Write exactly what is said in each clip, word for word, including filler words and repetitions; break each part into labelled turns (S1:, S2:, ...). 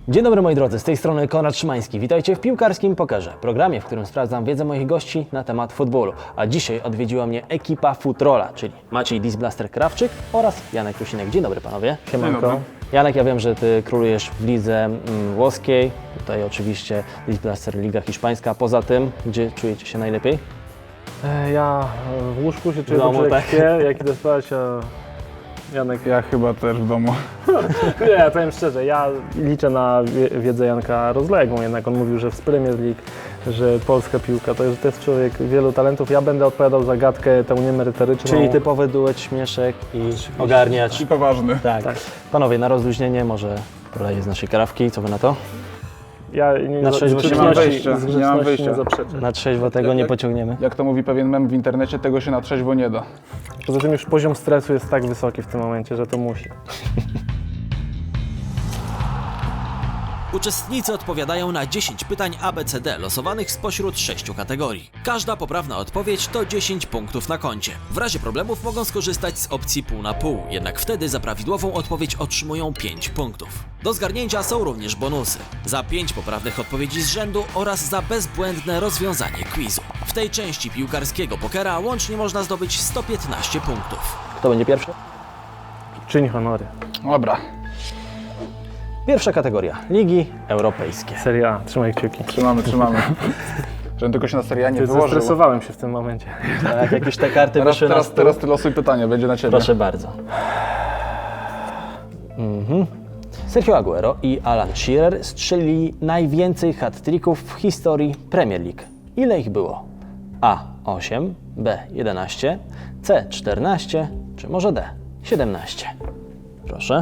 S1: Dzień dobry moi drodzy, z tej strony Konrad Szymański. Witajcie w Piłkarskim Pokerze, programie, w którym sprawdzam wiedzę moich gości na temat futbolu. A dzisiaj odwiedziła mnie ekipa Futrola, czyli Maciej Disblaster-Krawczyk oraz Janek Rusinek. Dzień dobry panowie.
S2: Siemanko.
S1: Janek, ja wiem, że ty królujesz w lidze mm, włoskiej, tutaj oczywiście Disblaster Liga Hiszpańska. Poza tym, gdzie czujecie się najlepiej?
S2: E, Ja w łóżku się czuję
S1: W domu,
S2: dobrze,
S1: tak?
S2: jak śpię, jak idę spać, a Janek...
S3: Ja chyba też w domu.
S2: Nie, ja powiem szczerze, ja liczę na wie- wiedzę Janka rozległą, jednak on mówił, że w Premier League, że polska piłka, to jest, to jest człowiek wielu talentów. Ja będę odpowiadał za gadkę tę niemerytoryczną.
S1: Czyli typowy duet śmieszek i ogarniać.
S3: I poważny.
S1: Tak.
S2: Tak.
S1: Panowie, na rozluźnienie może poleję z naszej karawki, co wy na to?
S2: Ja nie,
S1: Na
S2: z
S1: trzeźwo
S2: grzeczności-
S3: nie mam wyjścia,
S2: z
S3: nie mam
S2: grzeczności
S3: wyjścia.
S2: nie zaprzeczę.
S1: Na trzeźwo tego nie
S3: Jak-
S1: pociągniemy.
S3: Jak to mówi pewien mem w internecie, tego się na trzeźwo nie da.
S2: Poza tym już poziom stresu jest tak wysoki w tym momencie, że to musi.
S4: Uczestnicy odpowiadają na dziesięć pytań A B C D losowanych spośród sześciu kategorii. Każda poprawna odpowiedź to dziesięć punktów na koncie. W razie problemów mogą skorzystać z opcji pół na pół, jednak wtedy za prawidłową odpowiedź otrzymują pięć punktów. Do zgarnięcia są również bonusy. Za pięć poprawnych odpowiedzi z rzędu oraz za bezbłędne rozwiązanie quizu. W tej części piłkarskiego pokera łącznie można zdobyć sto piętnaście punktów.
S1: Kto będzie pierwszy?
S2: Czyń honory.
S3: Dobra,
S1: Pierwsza kategoria. Ligi europejskie.
S2: Serie A, trzymaj kciuki.
S3: trzymamy, trzymamy. Żebym tylko się na seria nie wyłożył.
S2: Zestresowałem się w tym momencie.
S1: Tak, jak już te karty
S3: Teraz,
S1: wyszły na
S3: teraz,
S1: stół.
S3: teraz ty losuj pytanie, będzie na ciebie.
S1: Proszę bardzo. Mhm. Sergio Aguero i Alan Shearer strzelili najwięcej hat-tricków w historii Premier League. Ile ich było? A osiem, B jedenaście, C czternaście, czy może D siedemnaście? Proszę.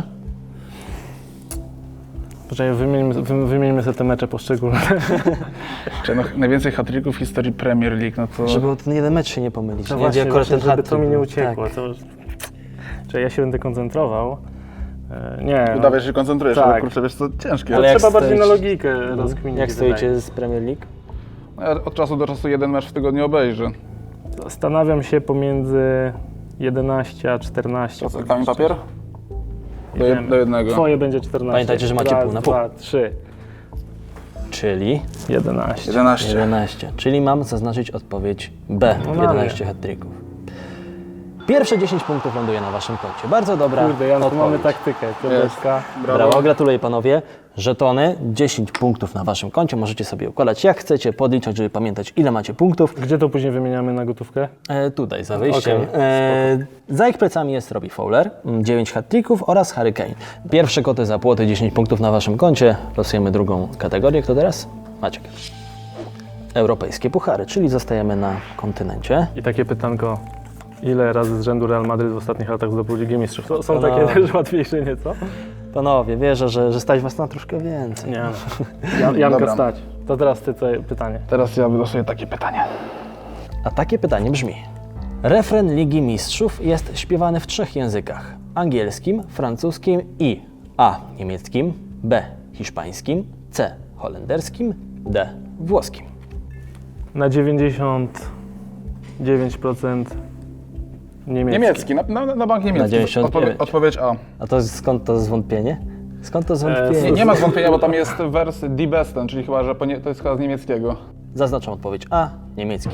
S2: Poczekaj, wymieńmy, wy- wymieńmy sobie te mecze poszczególne.
S3: Czy no, najwięcej hat-tricków w historii Premier League, no to...
S1: Żeby o ten jeden mecz się nie pomylić.
S2: No
S1: nie?
S2: właśnie,
S1: Gdzie
S2: właśnie
S1: akurat ten
S2: żeby to
S1: hat-trick
S2: mi nie
S1: był.
S2: uciekło.
S1: Tak.
S2: To... Czyli ja się będę koncentrował. E, Nie, no,
S3: Udawaj, że się koncentrujesz,
S2: Tak.
S3: ale kurczę, wiesz co, ciężkie.
S1: Ale
S2: to
S1: jak
S2: trzeba bardziej na
S1: stoicie-
S2: logikę rozkminić.
S1: Jak
S2: wydaje
S1: stoicie
S2: mi
S1: z Premier League?
S3: No, ja od czasu do czasu jeden mecz w tygodniu obejrzę.
S2: się. Zastanawiam się pomiędzy jedenaście a czternaście.
S3: To co, kamień papier? Do,
S2: Nie
S3: jed,
S2: wiem.
S3: do jednego.
S2: Twoje będzie czternaście.
S1: Pamiętajcie, że macie
S2: Raz,
S1: pół na pół.
S2: Dwa, trzy,
S1: Czyli
S2: jedenaście.
S3: jedenaście.
S1: jedenaście. Czyli mam zaznaczyć odpowiedź B.
S2: No mamy.
S1: jedenaście hat-tricków. Pierwsze dziesięć punktów ląduje na waszym koncie. Bardzo dobra
S2: Kurde, Janku,
S1: odpowiedź.
S2: mamy taktykę. Piąteczka.
S1: Brawo, gratuluję panowie. Żetony, dziesięć punktów na waszym koncie. Możecie sobie układać jak chcecie, podliczać, żeby pamiętać ile macie punktów.
S2: Gdzie to później wymieniamy na gotówkę?
S1: E, tutaj za wyjściem.
S2: Okej,
S1: e, za ich plecami jest Robbie Fowler, mm, dziewięć hat-tricków oraz Harry Kane. Pierwsze koty za płoty, dziesięć punktów na waszym koncie. Losujemy drugą kategorię. Kto teraz? Maciek. Europejskie puchary, czyli zostajemy na kontynencie.
S2: I takie pytanko. Ile razy z rzędu Real Madryt w ostatnich latach zdobył Ligę Mistrzów? To są
S1: No.
S2: takie też łatwiejsze nieco?
S1: Panowie, wierzę, że, że stać was na troszkę więcej.
S2: Nie. Jan, Janka
S3: Dobra.
S2: stać. To teraz ty co pytanie.
S3: Teraz ja wylosuję takie pytanie.
S1: A takie pytanie brzmi. Refren Ligi Mistrzów jest śpiewany w trzech językach. Angielskim, francuskim i A. niemieckim, B. hiszpańskim, C. holenderskim, D. włoskim.
S2: Na dziewięćdziesiąt dziewięć procent niemiecki.
S3: Niemiecki, na, na, na bank niemiecki.
S1: dziewięćdziesiąt dziewięć.
S3: Odpowie, odpowiedź A.
S1: A to skąd to zwątpienie? Skąd to zwątpienie?
S3: Nie, nie ma zwątpienia, bo tam jest wers Die Besten, czyli chyba, że po nie, to jest chyba z niemieckiego.
S1: Zaznaczam odpowiedź A. niemiecki.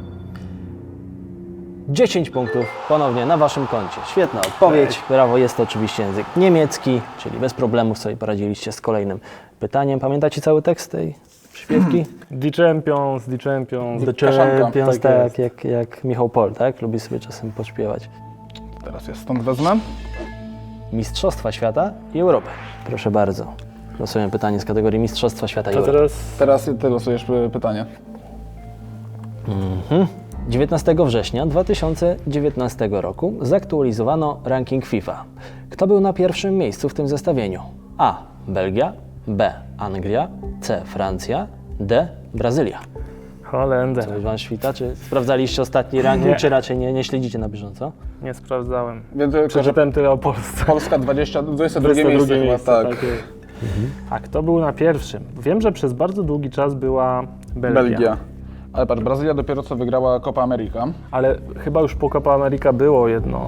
S1: dziesięć punktów ponownie na waszym koncie. Świetna odpowiedź. Brawo, jest to oczywiście język niemiecki, czyli bez problemów sobie poradziliście z kolejnym pytaniem. Pamiętacie cały tekst tej śpiewki?
S2: The Champions, The Champions.
S1: The
S3: Kaszanka,
S1: Champions,
S2: tak
S1: tak,
S2: jest.
S1: jak, jak Michał Pol, tak? Lubi sobie czasem pośpiewać.
S3: Teraz ja stąd wezmę.
S1: Mistrzostwa Świata i Europy. Proszę bardzo. Losujemy pytanie z kategorii Mistrzostwa Świata i
S2: To
S1: Europy.
S2: teraz
S3: Teraz ty losujesz y, pytanie.
S1: dziewiętnastego września dwa tysiące dziewiętnastego roku zaktualizowano ranking FIFA. Kto był na pierwszym miejscu w tym zestawieniu? A. Belgia, B. Anglia, C. Francja, D. Brazylia.
S2: Holender.
S1: Coś wam świta? Czy sprawdzaliście ostatni ranking,
S2: Nie.
S1: czy raczej nie, nie śledzicie na bieżąco?
S2: Nie sprawdzałem.
S3: Wiem tylko, że
S2: Przeczytałem tyle o Polsce.
S3: Polska dwadzieścia, dwudzieste drugie miejsce chyba, tak.
S2: A kto był na pierwszym? Wiem, że przez bardzo długi czas była Belgia.
S3: Belgia. Ale patrz, Brazylia dopiero co wygrała Copa America.
S2: Ale chyba już po Copa America było jedno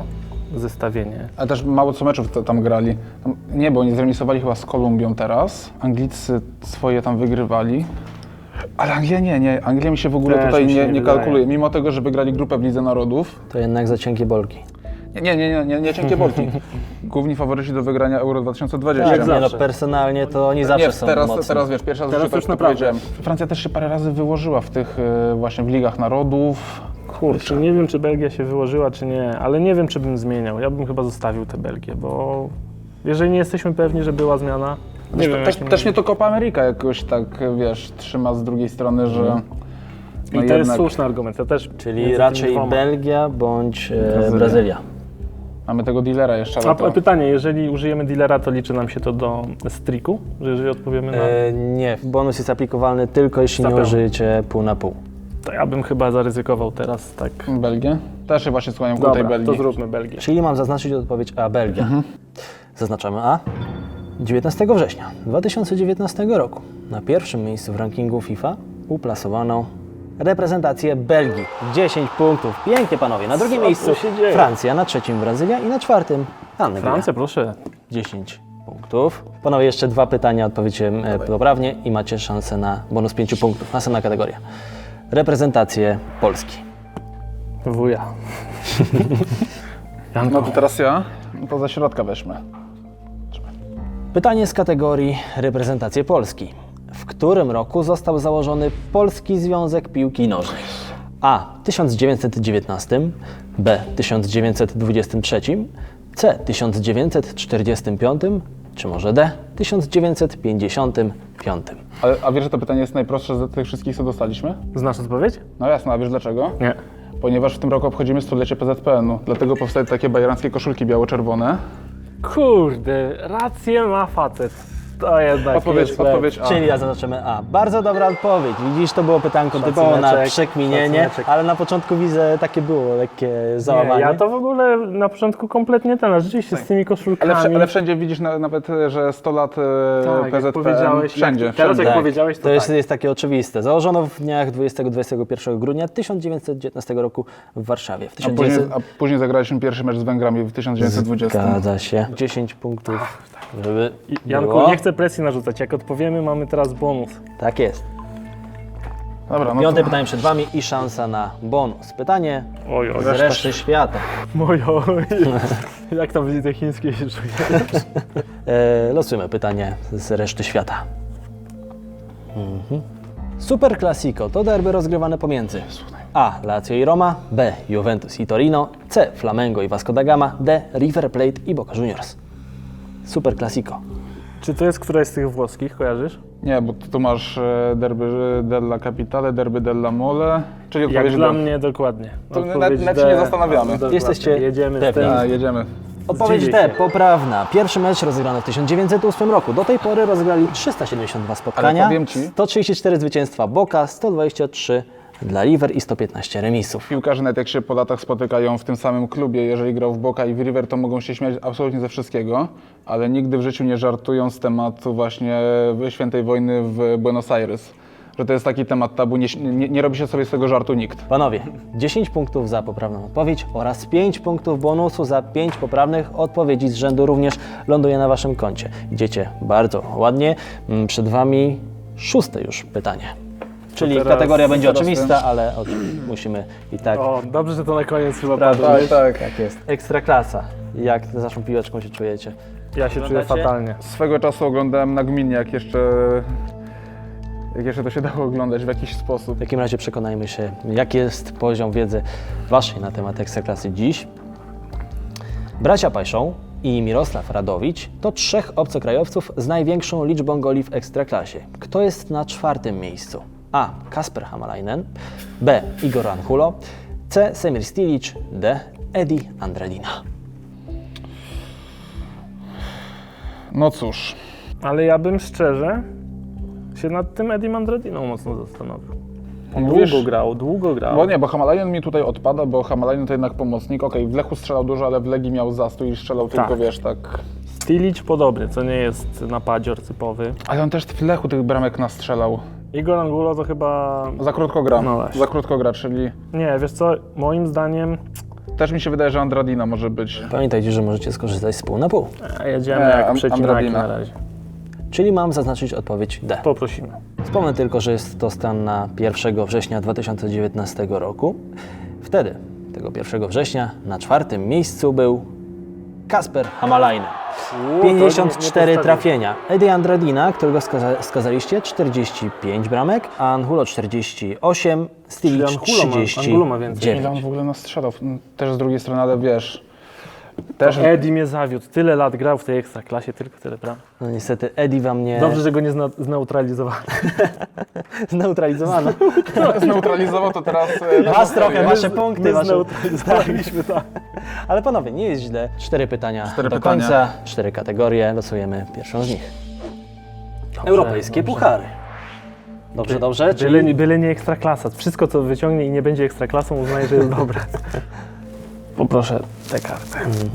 S2: zestawienie.
S3: Ale też mało co meczów to, tam grali. Tam, nie, bo oni zremisowali chyba z Kolumbią teraz. Anglicy swoje tam wygrywali. Ale Anglia nie, nie. Anglia mi się w ogóle
S2: Też
S3: tutaj
S2: mi się
S3: nie,
S2: nie
S3: nie
S2: wydaje.
S3: kalkuluje. Mimo tego, że wygrali grupę w Lidze Narodów.
S1: To jednak za cienkie bolki.
S3: Nie, nie, nie, nie, nie, nie cienkie bolki. Główni faworyci do wygrania Euro dwa tysiące dwudziestego.
S2: Jak
S1: nie no,
S2: zawsze.
S1: personalnie to oni zawsze
S3: Nie,
S1: są
S3: teraz,
S1: mocni.
S3: teraz wiesz, pierwszy raz
S2: Teraz
S3: w życiu
S2: już
S3: tak to
S2: naprawdę.
S3: powiedziałem. Francja też się parę razy wyłożyła w tych e, właśnie w Ligach Narodów.
S2: Kurczę, nie wiem, czy Belgia się wyłożyła, czy nie, ale nie wiem, czy bym zmieniał. Ja bym chyba zostawił tę Belgię, bo jeżeli nie jesteśmy pewni, że była zmiana, nie
S3: Też,
S2: wiem,
S3: też,
S2: jakim-
S3: też mnie to Copa America jakoś tak, wiesz, trzyma z drugiej strony, że...
S2: I
S3: no
S2: to jest
S3: jednak
S2: słuszny argument. Ja też
S1: Czyli
S2: między tymi
S1: raczej
S2: dwoma.
S1: Belgia bądź e,
S3: Brazylia.
S1: Brazylia.
S3: Mamy tego dealera jeszcze, ale
S2: A
S3: to...
S2: pytanie, jeżeli użyjemy dealera, to liczy nam się to do striku, że jeżeli odpowiemy na...
S1: E, nie, bonus jest aplikowalny tylko jeśli nie
S2: Zapewne.
S1: użyjecie pół na pół.
S2: To ja bym chyba zaryzykował teraz tak.
S3: Belgię? Też się właśnie skłaniam ku tej
S2: Dobra,
S3: Belgii.
S2: to zróbmy Belgię.
S1: Czyli mam zaznaczyć odpowiedź A, Belgia. Zaznaczamy A. dziewiętnastego września dwa tysiące dziewiętnastego roku na pierwszym miejscu w rankingu FIFA uplasowano reprezentację Belgii. dziesięć punktów. Pięknie, panowie. Na drugim
S2: Co
S1: miejscu
S2: tu się dzieje?
S1: Francja, na trzecim Brazylia i na czwartym Anglia.
S2: Francja, proszę.
S1: dziesięć punktów. Panowie, jeszcze dwa pytania, odpowiecie e, poprawnie i macie szansę na bonus pięć punktów. Następna kategoria. Reprezentacje Polski.
S2: Wuja.
S3: No
S2: Janko,
S3: to teraz ja, to ze środka weźmy.
S1: Pytanie z kategorii reprezentacje Polski. W którym roku został założony Polski Związek Piłki Nożnej? A. tysiąc dziewięćset dziewiętnastym, B. tysiąc dziewięćset dwudziestym trzecim, C. tysiąc dziewięćset czterdziestym piątym, czy może D. tysiąc dziewięćset pięćdziesiątym piątym.
S3: Ale, a wiesz, że to pytanie jest najprostsze z tych wszystkich, co dostaliśmy?
S2: znasz odpowiedź?
S3: No jasno, a wiesz dlaczego?
S2: Nie.
S3: Ponieważ w tym roku obchodzimy stulecie P Z P N u, dlatego powstały takie bajeranckie koszulki biało-czerwone.
S2: Kurde, rację ma facet. To jednak
S3: Odpowiedź,
S2: jest
S3: odpowiedź A.
S1: Czyli ja zaznaczymy A. Bardzo dobra odpowiedź. Widzisz, to było pytanko typowo na
S2: Szacuneczek,
S1: przekminienie,
S2: szacuneczek.
S1: ale na początku widzę, takie było lekkie załamanie.
S2: Nie, ja to w ogóle na początku kompletnie ten, a rzeczywiście z tymi koszulkami.
S3: Ale, wsz- ale wszędzie widzisz na, nawet, że sto lat e,
S2: tak,
S3: P Z
S2: jak
S3: P N,
S2: powiedziałeś,
S3: wszędzie,
S2: jak, teraz
S3: wszędzie.
S2: jak
S1: Tak,
S2: powiedziałeś, to,
S1: to jest,
S2: tak.
S1: jest takie oczywiste. Założono w dniach dwudziestego do dwudziestego pierwszego grudnia tysiąc dziewięćset dziewiętnastego roku w Warszawie. W
S3: A
S1: tysiąc
S3: później,
S1: dziewięćset...
S3: a później zagraliśmy pierwszy mecz z Węgrami w tysiąc dziewięćset dwudziestym.
S1: Zgadza się. dziesięć punktów, żeby
S2: Janku,
S1: było.
S2: nie chcę presji narzucać. Jak odpowiemy, mamy teraz bonus.
S1: Tak jest.
S3: Dobra, no
S1: Piąte
S3: to,
S1: pytanie przed Wami i szansa na bonus. Pytanie
S2: Oj, oj,
S1: z reszty świata.
S2: mojo. Jak tam w lidze chińskiej się czuje?
S1: E, losujemy pytanie z reszty świata. Mhm. Super Classico to derby rozgrywane pomiędzy A. Lazio i Roma, B. Juventus i Torino, C. Flamengo i Vasco da Gama, D. River Plate i Boca Juniors. Super Classico.
S2: Czy to jest któraś z tych włoskich, kojarzysz?
S3: nie, bo tu masz e, derby della Capitale, derby della Mole, czyli
S2: Jak
S3: odpowiedź
S2: dla
S3: do-
S2: mnie dokładnie.
S3: To
S2: Odpowiedź
S3: nawet- nawet się
S2: D.
S3: nie zastanawiamy.
S2: Dokładnie.
S1: Jesteście
S2: Jedziemy z
S1: pewni?
S2: tym.
S3: A, jedziemy.
S1: Odpowiedź
S2: Zdziwię
S1: D.
S2: się.
S1: Poprawna. Pierwszy mecz rozegrano w tysiąc dziewięćset ósmym roku. Do tej pory rozegrali trzysta siedemdziesiąt dwa spotkania,
S3: Ale powiem ci-
S1: sto trzydzieści cztery zwycięstwa Boca, sto dwadzieścia trzy dla River i sto piętnaście remisów.
S3: Piłkarze nawet jak się po latach spotykają w tym samym klubie, jeżeli grał w Boca i w River, to mogą się śmiać absolutnie ze wszystkiego, ale nigdy w życiu nie żartują z tematu właśnie świętej wojny w Buenos Aires. Że to jest taki temat tabu, nie, nie, nie robi się sobie z tego żartu nikt.
S1: Panowie, dziesięć punktów za poprawną odpowiedź oraz pięć punktów bonusu za pięć poprawnych odpowiedzi z rzędu również ląduje na Waszym koncie. Idziecie bardzo ładnie. Mm, Przed Wami szóste już pytanie. Czyli
S2: teraz-
S1: kategoria będzie
S3: teraz
S1: oczywista, ale o, musimy i tak.
S2: O, dobrze, że to na koniec chyba
S1: Prawda,
S2: padło.
S3: tak.
S1: Tak jest. Ekstraklasa. Jak z Waszą piłeczką się czujecie?
S2: Ja się czuję
S1: Oglądacie?
S2: fatalnie.
S3: Swego czasu oglądałem nagminnie, jak jeszcze, jak jeszcze to się dało oglądać w jakiś sposób.
S1: W takim razie przekonajmy się, jaki jest poziom wiedzy Waszej na temat Ekstraklasy dziś. Bracia Pajszą i Mirosław Radowicz to trzech obcokrajowców z największą liczbą goli w Ekstraklasie. Kto jest na czwartym miejscu? A. Kasper Hamalainen, B. Igor Anhulo, C. Semir Stilic, D. Edi Andradina.
S3: No cóż,
S2: Ale ja bym szczerze się nad tym Edim Andradiną mocno zastanowił. On
S3: Mówisz-
S2: długo grał, długo grał.
S3: bo nie, bo Hamalainen mi tutaj odpada, bo Hamalainen to jednak pomocnik. Okej, w Lechu strzelał dużo, ale w Legii miał zastój i strzelał
S2: Tak.
S3: tylko, wiesz, tak...
S2: Stilic podobny, co nie jest napadzior typowy.
S3: Ale on też w Lechu tych bramek nastrzelał.
S2: Igor Angulo to chyba...
S3: Za krótko gra,
S2: No właśnie.
S3: za krótko gra, czyli
S2: Nie, wiesz co, moim zdaniem
S3: też mi się wydaje, że Andradina może być.
S1: Pamiętajcie, że możecie skorzystać z pół na pół.
S2: A jedziemy
S3: Nie,
S2: jak
S3: Am-
S2: przecinaki
S3: Andradina.
S2: na razie.
S1: Czyli mam zaznaczyć odpowiedź D.
S2: Poprosimy.
S1: Wspomnę tylko, że jest to stan na pierwszego września dwa tysiące dziewiętnastego roku. Wtedy, tego pierwszego września, na czwartym miejscu był Kasper Hamalainen. pięćdziesiąt cztery trafienia. Eddie Andradina, którego skaza- skazaliście, czterdzieści pięć bramek, a Angulo czterdzieści osiem, Stilic
S2: Czyli Angulo ma- Angulo ma więcej.
S1: trzydzieści
S3: Ile on
S1: dziewięć.
S3: w ogóle nas strzelał? Też z drugiej strony, ale wiesz... Też...
S2: Eddie mnie zawiódł. Tyle lat grał w tej ekstraklasie, tylko tyle bram.
S1: No niestety Eddie wam nie
S2: Dobrze, że go nie zna- zneutralizowano.
S1: zneutralizowano.
S3: Zneutralizował to teraz... e, na
S1: Was trochę,
S3: podstawie.
S1: wasze punkty,
S2: My
S1: wasze...
S2: zneutralizowaliśmy, tak.
S1: Ale panowie, nie jest źle. Cztery pytania
S3: Cztery
S1: do
S3: pytania.
S1: końca, cztery kategorie. Losujemy pierwszą z nich. Europejskie
S2: dobrze.
S1: puchary. Dobrze, dobrze.
S2: Byle,
S1: Czyli
S2: byle nie ekstraklasa. Wszystko, co wyciągnie i nie będzie ekstraklasą, uznaję, że jest dobre. Poproszę tę kartę.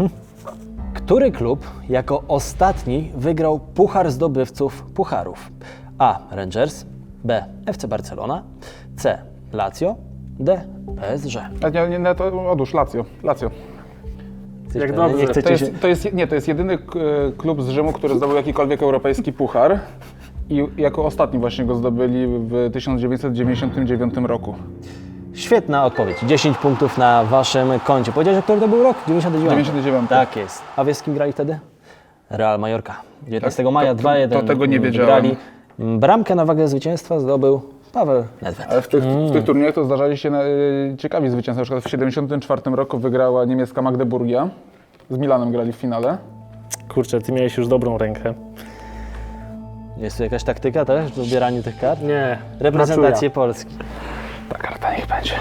S1: który klub jako ostatni wygrał Puchar Zdobywców Pucharów? A. Rangers, B. F C Barcelona, C. Lazio, D. P S G.
S3: A nie, nie, nie, to odłóż, Lazio. Lazio.
S1: Jesteś
S2: Jak
S1: pewny?
S2: dobrze.
S1: Nie
S3: To
S1: chcecie się...
S3: jest, to jest, nie, to jest jedyny k- klub z Rzymu, który zdobył jakikolwiek europejski puchar i jako ostatni właśnie go zdobyli w tysiąc dziewięćset dziewięćdziesiątym dziewiątym roku.
S1: Świetna odpowiedź. dziesięć punktów na waszym koncie. Powiedziałeś, który to był rok? dziewięćdziesiąty dziewiąty.
S3: dziewięćdziesiąty dziewiąty.
S1: Tak jest. A wiesz, z kim grali wtedy? Real Mallorca. dziewiętnastego maja
S3: to- to-
S1: dwa jeden
S3: to tego nie wiedziałem.
S1: wygrali. Bramkę na wagę zwycięstwa zdobył Paweł Nedved.
S3: Ale w tych, w tych turniejach to zdarzali się na, y, ciekawi zwycięzcy. Na przykład w siedemdziesiątym czwartym roku wygrała niemiecka Magdeburgia. Z Milanem grali w finale.
S2: Kurczę, ty miałeś już dobrą rękę.
S1: Jest tu jakaś taktyka też w dobieraniu tych kart?
S2: Nie.
S1: Reprezentację Polski.
S3: Ta karta niech będzie.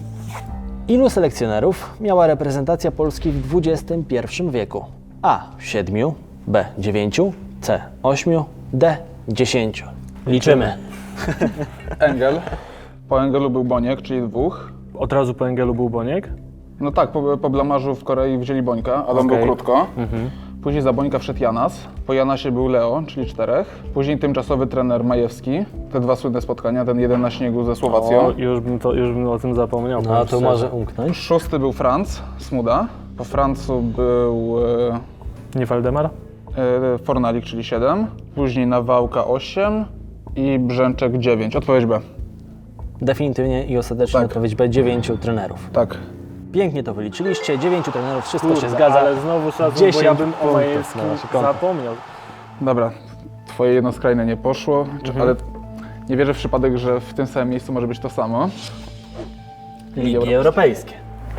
S1: Ilu selekcjonerów miała reprezentacja Polski w dwudziestym pierwszym wieku? A. siedmiu, B. dziewięciu, C. ośmiu, D. dziesięciu. Liczymy.
S3: Engel. Po Engelu był Boniek, czyli dwóch.
S2: Od razu po Engelu był Boniek.
S3: No tak, po, po blamarzu w Korei wzięli Bońka, ale on był
S2: Okej.
S3: krótko. Później za Bońka wszedł Janas. Po Janasie był Leo, czyli czterech. Później tymczasowy trener Majewski. Te dwa słynne spotkania, ten jeden na śniegu ze Słowacją.
S2: O, już bym, to, już bym o tym zapomniał.
S1: No
S2: powiem
S1: to
S2: szczerze.
S1: może umknąć.
S3: Szósty był Franz Smuda. Po Francu był
S2: Nie Waldemar?
S3: e, e, Fornalik, czyli siedem. Później Nawałka osiem i Brzęczek dziewięć. Odpowiedź B.
S1: Definitywnie i ostatecznie
S3: Tak.
S1: odpowiedź B. dziewięciu trenerów.
S3: Tak.
S1: Pięknie to wyliczyliście. dziewięciu trenerów, wszystko
S2: Kurde,
S1: się zgadza.
S2: ale znowu szacun, bo
S1: dziesięć
S2: ja bym o
S1: punktów
S2: Majewskim
S1: na wasze konto.
S2: zapomniał.
S3: Dobra, twoje jedno skrajne nie poszło, czy, ale nie wierzę w przypadek, że w tym samym miejscu może być to samo.
S1: Ligi Europejskie.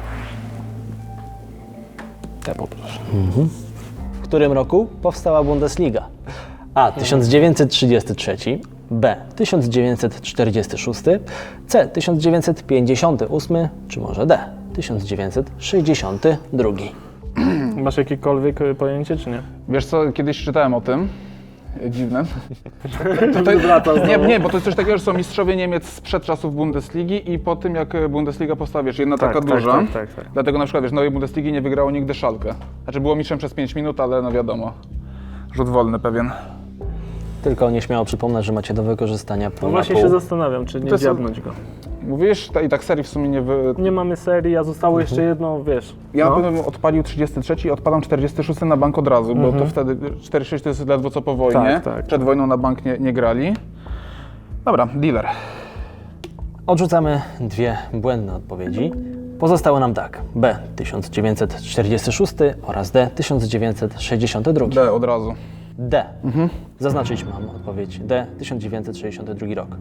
S2: Te poproszę.
S1: W którym roku powstała Bundesliga? A. tysiąc dziewięćset trzydziesty trzeci, B. tysiąc dziewięćset czterdziesty szósty, C. tysiąc dziewięćset pięćdziesiąty ósmy, czy może D. tysiąc dziewięćset sześćdziesiąty drugi.
S2: Masz jakiekolwiek e, pojęcie, czy nie?
S3: Wiesz co, kiedyś czytałem o tym. Dziwne.
S2: Wraca
S3: Nie, nie, bo to jest coś takiego, że są mistrzowie Niemiec sprzed czasów Bundesligi i po tym, jak Bundesliga powstała, wiesz, jedna
S2: Tak,
S3: taka
S2: tak,
S3: duża.
S2: tak, tak, tak.
S3: Dlatego na przykład, wiesz, nowej Bundesligi nie wygrało nigdy Schalke. Znaczy było mistrzem przez pięć minut, ale no wiadomo, rzut wolny pewien.
S1: Tylko nieśmiało przypomnę, że macie do wykorzystania pół
S2: No
S1: na
S2: właśnie
S1: pół.
S2: się zastanawiam, czy nie
S3: To jest-
S2: dziabnąć go.
S3: Mówisz, ta, i tak serii w sumie nie wy...
S2: Nie mamy serii, a zostało jeszcze jedno, wiesz.
S3: Ja
S2: no.
S3: na pewno bym odpalił trzydziesty trzeci i odpalam czterdziesty szósty na bank od razu, bo to wtedy czterdzieści sześć to jest ledwo co po wojnie.
S2: Tak, tak.
S3: Przed wojną na bank nie, nie grali. Dobra, dealer.
S1: Odrzucamy dwie błędne odpowiedzi. Pozostało nam tak. B. tysiąc dziewięćset czterdziesty szósty oraz D. tysiąc dziewięćset sześćdziesiąty drugi.
S3: D od razu.
S1: D. Zaznaczyć mam odpowiedź D. tysiąc dziewięćset sześćdziesiąty drugi rok.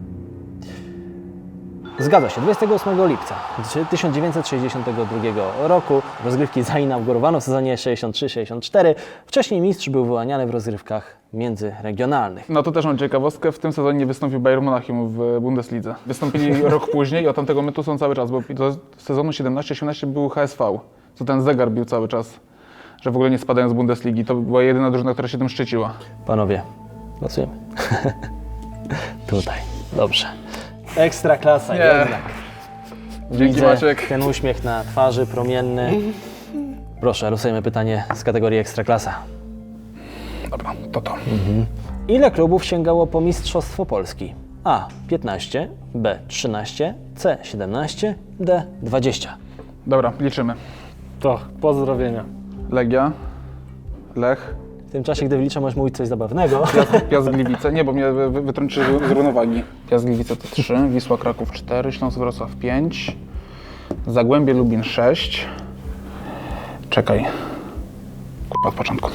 S1: Zgadza się. dwudziestego ósmego lipca tysiąc dziewięćset sześćdziesiątego drugiego roku rozgrywki zainaugurowano w sezonie sześćdziesiąt trzy sześćdziesiąt cztery. Wcześniej mistrz był wyłaniany w rozgrywkach międzyregionalnych.
S3: No to też mam ciekawostkę, w tym sezonie nie wystąpił Bayern Monachium w Bundeslidze. Wystąpili rok później i od tamtego momentu są cały czas, bo do sezonu siedemnaście osiemnaście był H S V, co ten zegar bił cały czas, że w ogóle nie spadają z Bundesligi. To była jedyna drużyna, która się tym szczyciła.
S1: Panowie, głosujemy. Tutaj. Dobrze. Ekstra klasa
S3: Nie.
S1: jednak.
S3: Dzięki,
S1: Widzę
S3: Maciek.
S1: ten uśmiech na twarzy, promienny. Proszę, losujemy pytanie z kategorii Ekstraklasa.
S3: Dobra, to to.
S1: Ile klubów sięgało po Mistrzostwo Polski? A. piętnaście, B. trzynaście, C. siedemnaście, D. dwadzieścia.
S3: Dobra, liczymy.
S2: To, pozdrowienia.
S3: Legia, Lech,
S1: W tym czasie, gdy wyliczę, możesz mówić coś zabawnego.
S3: Piast, Piast Gliwice, nie, bo mnie wy- wy- wytrąciły z z równowagi. Piast Gliwice to trzy, Wisła Kraków cztery, Śląsk Wrocław pięć, Zagłębie Lubin sześć. Czekaj. Kurwa, od początku.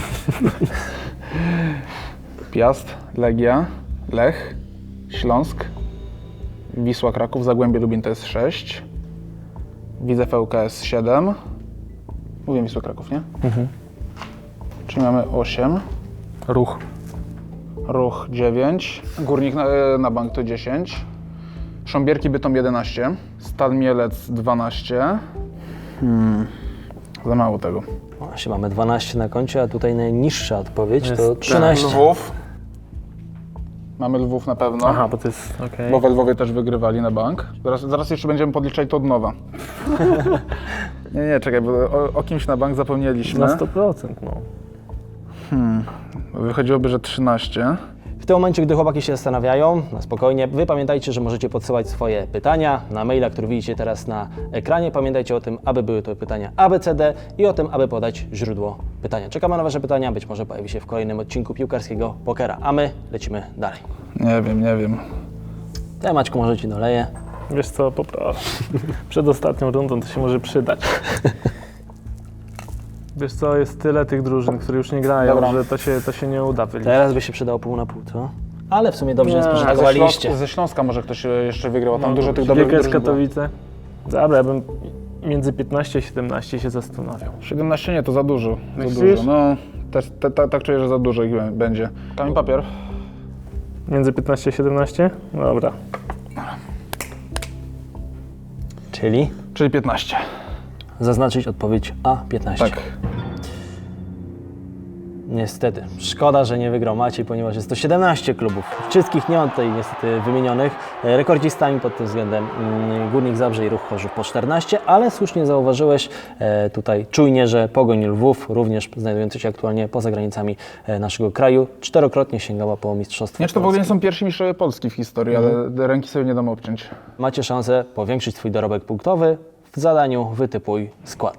S3: Piast, Legia, Lech, Śląsk, Wisła Kraków, Zagłębie Lubin to jest sześć, Widzew L K S siedem. Mówię Wisła Kraków, nie?
S2: Mhm.
S3: Czyli mamy osiem.
S2: Ruch.
S3: Ruch dziewięć, Górnik na, na bank to dziesięć, Sząbierki Bytom jedenaście, Stal Mielec dwanaście. Hmm. Za mało tego.
S1: Właśnie mamy dwanaście na koncie, a tutaj najniższa odpowiedź
S2: Jest
S1: to
S2: ten
S1: trzynaście.
S3: Lwów. Mamy Lwów na pewno,
S2: Aha, bo to jest, okej.
S3: bo we Lwowie też wygrywali na bank. Zaraz, zaraz jeszcze będziemy podliczać to od nowa. nie, nie, czekaj, bo o, o kimś na bank zapomnieliśmy.
S2: Na sto procent, no.
S3: Wychodziłoby, że trzynaście.
S1: W tym momencie, gdy chłopaki się zastanawiają, na spokojnie, wy pamiętajcie, że możecie podsyłać swoje pytania na maila, który widzicie teraz na ekranie. Pamiętajcie o tym, aby były to pytania A B C D i o tym, aby podać źródło pytania. Czekamy na wasze pytania, być może pojawi się w kolejnym odcinku Piłkarskiego Pokera, a my lecimy dalej.
S3: Nie wiem, nie wiem.
S1: Ja, Maćku, może ci doleję.
S2: Wiesz co, poproszę. Przed ostatnią rundą to się może przydać. Wiesz co, jest tyle tych drużyn, które już nie grają,
S3: Dobra.
S2: że to się, to się nie uda wyliczyć.
S1: Teraz by się przydało pół na pół, co? Ale w sumie dobrze
S2: Nie,
S1: jest,
S2: a
S3: A ze,
S1: spożytkowaliście.
S3: Śląsk, ze Śląska może ktoś e, jeszcze wygrał, tam
S2: No,
S3: dużo tych dobrych
S2: G K S
S3: drużyn było.
S2: Katowice. Dobra, ja bym między piętnaście a siedemnaście się zastanawiał.
S3: siedemnaście nie, to za dużo. Za
S2: Myślisz?
S3: dużo. No, też, te, te, tak czuję, że za dużo ich bę- będzie. Kamień papier.
S2: Między piętnaście a siedemnaście? Dobra.
S1: Czyli
S3: Czyli piętnaście.
S1: zaznaczyć odpowiedź A piętnaście.
S3: Tak.
S1: Niestety. Szkoda, że nie wygrał Maciej, ponieważ jest to siedemnaście klubów. Wszystkich nie mam tutaj niestety wymienionych. E, Rekordzistami pod tym względem mm, Górnik Zabrze i Ruch Chorzów po czternaście, ale słusznie zauważyłeś e, tutaj czujnie, że Pogoń Lwów, również znajdujący się aktualnie poza granicami e, naszego kraju, czterokrotnie sięgała po mistrzostwo
S3: Nie, czy to w ogóle nie
S1: Polski.
S3: są pierwsi mistrzowie Polski w historii, ale ręki sobie nie dam obciąć.
S1: Macie szansę powiększyć swój dorobek punktowy. W zadaniu wytypuj skład.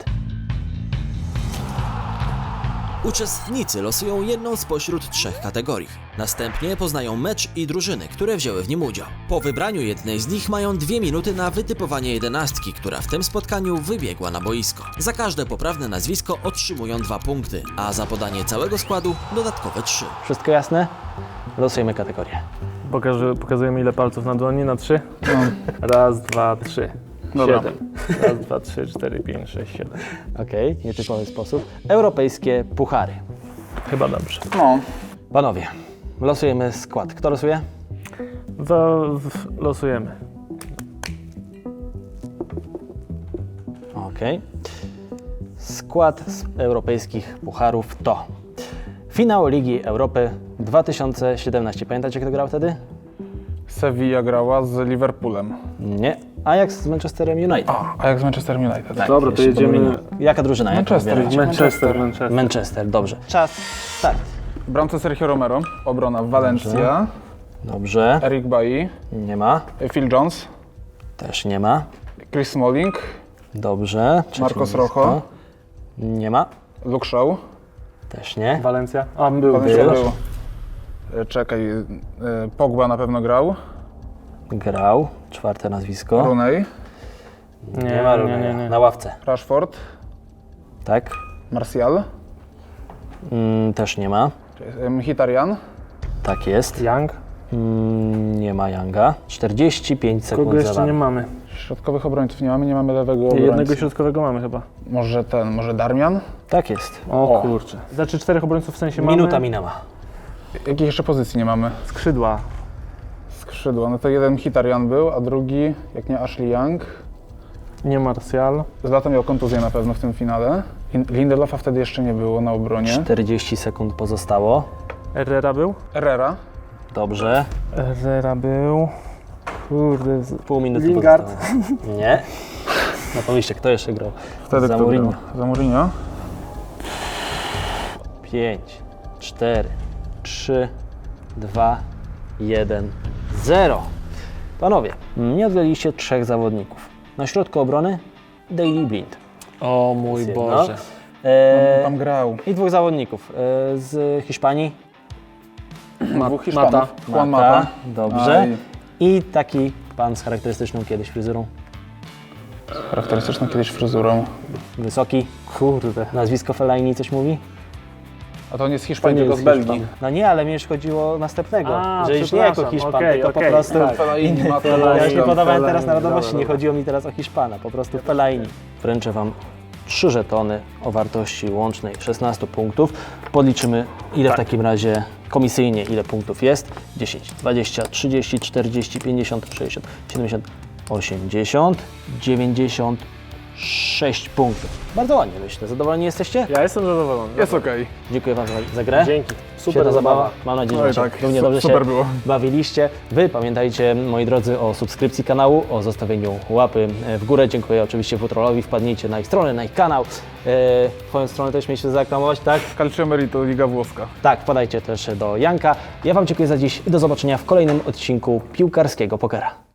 S4: Uczestnicy losują jedną spośród trzech kategorii. Następnie poznają mecz i drużyny, które wzięły w nim udział. Po wybraniu jednej z nich mają dwie minuty na wytypowanie jedenastki, która w tym spotkaniu wybiegła na boisko. Za każde poprawne nazwisko otrzymują dwa punkty, a za podanie całego składu dodatkowe trzy.
S1: Wszystko jasne? Losujemy kategorię.
S2: Pokażę, pokazujemy ile palców na dłoni, na trzy? Raz, dwa, trzy.
S3: Dobra.
S2: Siedem. Raz, dwa, trzy, cztery, pięć, sześć, siedem.
S1: Okej, nietypowy sposób. Europejskie puchary.
S2: Chyba dobrze.
S3: No,
S1: Panowie, losujemy skład. Kto losuje?
S2: To w- losujemy.
S1: Okej. Skład z europejskich pucharów to finał Ligi Europy dwa tysiące siedemnaście. Pamiętacie, kto grał wtedy?
S3: Sevilla grała z Liverpoolem.
S1: Nie. Ajax z Manchesterem United.
S3: A, a jak z Manchesterem United?
S1: Tak,
S2: Dobra, to
S1: jeszcze
S2: jedziemy-
S1: pomyliłem. Jaka drużyna? Jaką
S3: Manchester.
S1: wybieracie?
S2: Manchester, Manchester.
S1: Manchester, dobrze. Czas, start.
S3: W bramce Sergio Romero, obrona Valencia,
S1: Dobrze.
S3: Eric Bailly,
S1: Nie ma.
S3: Phil Jones,
S1: Też nie ma.
S3: Chris Smalling,
S1: Dobrze. Trzecie
S3: Marcos
S1: nazwisko.
S3: Rojo.
S1: Nie ma.
S3: Luke Shaw.
S1: Też nie.
S2: Walencja? A, był.
S3: Valencia
S1: Był.
S3: był. E, Czekaj, e, Pogba na pewno grał,
S1: Grał. Czwarte nazwisko.
S3: Rooney,
S1: Nie ma
S2: nie,
S1: Rooney.
S2: nie, nie.
S1: Na ławce.
S3: Rashford,
S1: Tak.
S3: Martial,
S1: Mm, też nie ma.
S3: e, Mkhitaryan,
S1: Tak jest.
S2: Young?
S1: Mm, nie ma Younga. czterdzieści pięć sekund
S2: Kogo
S1: za
S2: jeszcze nie
S1: wami.
S2: mamy?
S3: środkowych obrońców nie mamy, nie mamy lewego obrońcy.
S2: Jednego środkowego mamy chyba.
S3: Może ten, może Darmian?
S1: Tak jest.
S2: O,
S3: O.
S2: kurczę. Znaczy czterech obrońców w sensie mamy?
S1: Minuta minęła.
S3: Jakich jeszcze pozycji nie mamy?
S2: Skrzydła.
S3: Skrzydła, no to jeden Mkhitaryan był, a drugi, jak nie Ashley Young.
S2: Nie Martial.
S3: Zlatan miał kontuzję na pewno w tym finale. Lin- Lindelofa wtedy jeszcze nie było na obronie.
S1: czterdzieści sekund pozostało.
S2: Herrera był?
S3: Herrera.
S1: Dobrze.
S2: Herrera był. Kurde. z-
S1: Pół minuty
S2: Lingard.
S1: pozostało. Nie. No pomyślcie, kto jeszcze grał?
S3: Wtedy
S1: Za
S3: kto
S1: Mourinho.
S3: grał? Za Mourinho.
S1: pięć, cztery, trzy, dwa, jeden, zero. Panowie, nie odgraliście trzech zawodników. Na środku obrony Daley Blind.
S2: O mój
S1: Jest jedno.
S2: Boże.
S1: E,
S3: Tam grał.
S1: I dwóch zawodników e, z Hiszpanii.
S3: Dwóch Hiszpanów.
S2: Mata.
S3: Juan
S1: Mata.
S3: Mata.
S1: Dobrze.
S3: Aj.
S1: I taki pan z charakterystyczną kiedyś fryzurą.
S3: Charakterystyczną kiedyś fryzurą.
S1: Wysoki.
S2: Kurde.
S1: Nazwisko Fellaini coś mówi?
S3: A to nie z Hiszpanii,
S2: To nie
S3: tylko z
S2: jest
S3: Belgii.
S2: Hiszpan.
S1: No nie, ale mnie już chodziło o następnego.
S2: A,
S1: że już nie jako
S2: przepraszam.
S1: Hiszpan,
S2: Okej,
S1: tylko po
S2: okej,
S1: prostu...
S2: tak.
S3: Fellaini, Mata,
S1: Ja już nie
S3: tam.
S1: podawałem teraz
S2: Fellaini,
S1: narodowości,
S2: dobra,
S1: nie
S2: dobra.
S1: chodziło mi teraz o Hiszpana, po prostu Fellaini. Wręczę Wam trzy żetony o wartości łącznej szesnaście punktów. Podliczymy, ile w takim razie komisyjnie, ile punktów jest. dziesięć, dwadzieścia, trzydzieści, czterdzieści, pięćdziesiąt, sześćdziesiąt, siedemdziesiąt, osiemdziesiąt, dziewięćdziesiąt sześć punktów. Bardzo ładnie, myślę. Zadowoleni jesteście?
S2: Ja jestem zadowolony.
S3: Jest okej.
S1: Dziękuję Wam za, za grę.
S2: Dzięki. Super
S1: Świetna zabawa.
S2: zabawa.
S1: Mam nadzieję,
S3: Oj,
S1: że
S3: tak.
S1: tak. równie
S3: Su-
S1: dobrze
S3: super
S1: się
S3: było.
S1: bawiliście. Wy pamiętajcie, moi drodzy, o subskrypcji kanału, o zostawieniu łapy w górę. Dziękuję oczywiście Futrolowi. Wpadnijcie na ich stronę, na ich kanał. E, twoją stronę też mieliśmy zareklamować, tak?
S3: Calcio Merito, Liga Włoska.
S1: Tak, wpadajcie też do Janka. Ja Wam dziękuję za dziś i do zobaczenia w kolejnym odcinku Piłkarskiego Pokera.